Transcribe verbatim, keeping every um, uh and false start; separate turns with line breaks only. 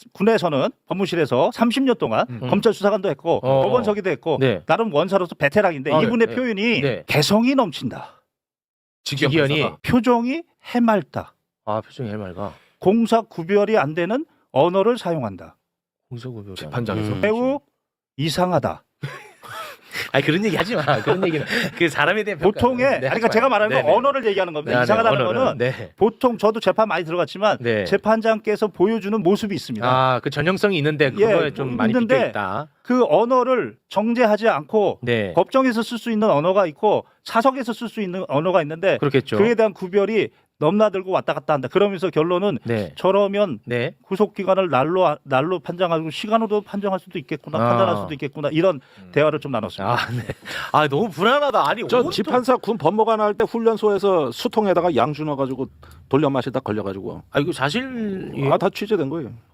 군에서는 법무실에서 삼십 년 동안
음.
검찰 수사관도 했고
어.
법원서기도 했고
네.
나름 원사로서 베테랑인데
아,
이분의
네.
표현이
네.
개성이 넘친다.
직위원이
표정이 해맑다.
아 표정이 해맑아.
공사 구별이 안 되는 언어를 사용한다.
공소구별
재판장에서?
음.
매우 이상하다.
아니 그런 얘기 하지 마. 그런 얘기는 그 사람에 대한 평가.
보통의 아니, 그러니까 제가 말하는 건 언어를 얘기하는 겁니다.
네,
이상하다는
네,
거는
네.
보통 저도 재판 많이 들어갔지만
네.
재판장께서 보여주는 모습이 있습니다.
아그 전형성이 있는데 그거에
예,
좀 많이
있는데
비껴 있다.
그 언어를 정제하지 않고
네.
법정에서 쓸 수 있는 언어가 있고 사석에서 쓸 수 있는 언어가 있는데
그렇겠죠.
그에 대한 구별이 넘나들고 왔다 갔다 한다. 그러면서 결론은
네.
저러면
네.
구속 기간을 날로 날로 판정하고 시간으로 판정할 수도 있겠구나,
아.
판단할 수도 있겠구나 이런 대화를 좀 나눴습니다.
아 네. 아 너무 불안하다. 아니
저
오늘
지판사 군 법무관 할 때 훈련소에서 수통에다가 양 주눠 가지고 돌려 마시다 걸려 가지고
아 이거 사실
아 다 취재된 거예요.